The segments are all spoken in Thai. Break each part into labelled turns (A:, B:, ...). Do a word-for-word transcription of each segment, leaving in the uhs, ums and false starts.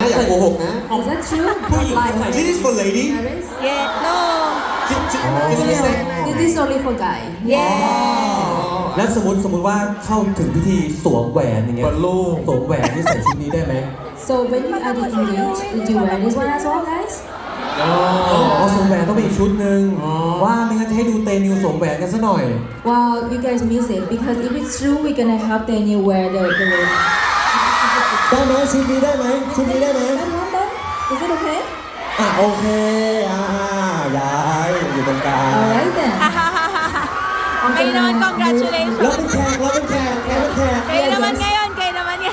A: อย่าโกหกนะ
B: Is that true?
C: ผู้หญิงใส่
D: This is for lady
B: Paris?
E: Yeah, no.
B: No, this is only for guy.
E: Yeah.
C: แล้วสมมติสมมติว่าเข้าถึงพิธีสวมแหวนอย่างเงี้ย
A: บอลลูน
C: สวมแหวนที่ใส่ชุดนี้ได้ไหม
B: So when you are engaged, did you wear this one as well, guys?
A: อ๋อ
C: อ๋อสวมแหวนต้องมีอีกชุดหนึ่งว่าไม่งั้นจะให้ดูเตนิวสวมแหวนกันซะหน่อย
B: Wow, you guys miss it because if it's true, we're gonna have Daniel wear the the ring.
C: ได้ไหมชุดนี้ได้ไหมชุดนี้ได้ไหม
B: That one then? Is it okay?
C: อ่ะโอเคอ่าย้ายอยู่ตรงกลาง
B: Alright then.
E: Kayo naman, congratulations.
C: เราเป็นแขกเราเป็นแขกเราเป็นแขก
E: Kayo naman ngayon, kayo naman yan.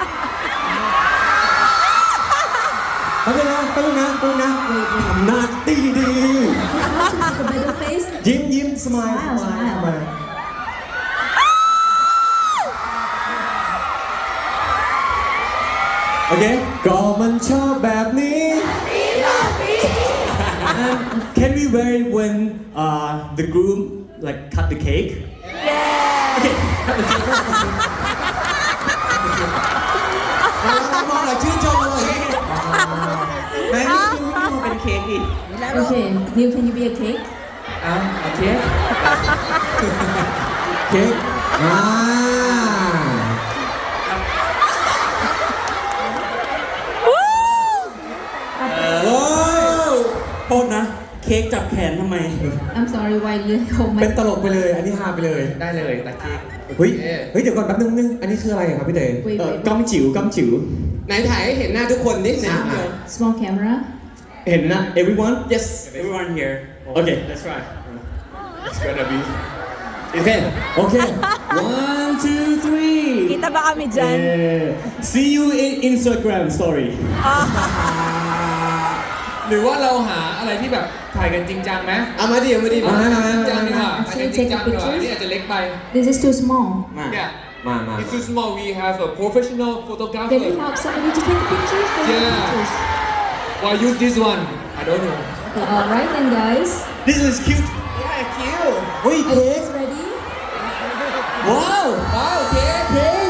C: ไปเลยนะไปเลยนะไปเลยนะทำหน้าดีดี
B: Make a better face.
C: ยิ้มยิ้มสมาย
B: Smile, smile.
C: โอเคก็มันชอบแบบนี้
D: And can we wear it when uh, the groom like cut the cake
E: Yeah.
D: okay cut the cake
A: มองหน่อยชื่นชมเลย
D: แม่นี่ดูเป็นเค้กดิ
B: Okay, Neil, can you be a cake?
D: อ้าวโอเค
C: เค้กอ่า
D: โอ้โทษนะ เค้กจับแขนทำไม
B: I'm sorry, why you hold
C: เป็น
B: my...
C: ตลกไปเลยอันนี้ฮาไปเลย
A: ได้เลยตะเค้ก
C: เฮ้ยเฮ้ยเดี๋ยวก่อนแป๊บนึงนึงอันนี้คืออะไรครับพี่เต๋
B: Wait,
D: เอ่อ
B: wait,
D: ก้อมจิ๋วก้อมจิ๋ว
A: ไหนถ่ายให้เห็นหน้าทุกคนนิดนึง
B: Small camera.
D: เห็นนะ everyone yes everyone here okay let's try it's gonna be okay
C: โอเค
D: one two three
E: Kita ba kami dyan?
D: yeah. see you in Instagram story
A: หรือว่าเราหาอะไรที่แบบถ่ายกันจริงจังไหมเอามาดิเอามาดิ
C: มามามา
A: จริงจังดีกว่า
B: มา
A: อันนี้จริงจังดีกว่าอันนี้อาจจะเล็กไป
B: This is too small.
C: มา
A: เนี่ย
C: มามา
A: It's too small we have a professional
B: Can we
A: photographer
B: help somebody to take pictures? Can we
A: Yeah.
B: take pictures?
A: why use this one I don't know
B: Alright then, guys.
D: this is cute
A: yeah cute
C: เฮ้ย
B: Are you
C: เค้ก
B: guys ready?
C: ว้าว
A: ว้าวเค้ก
C: เค้ก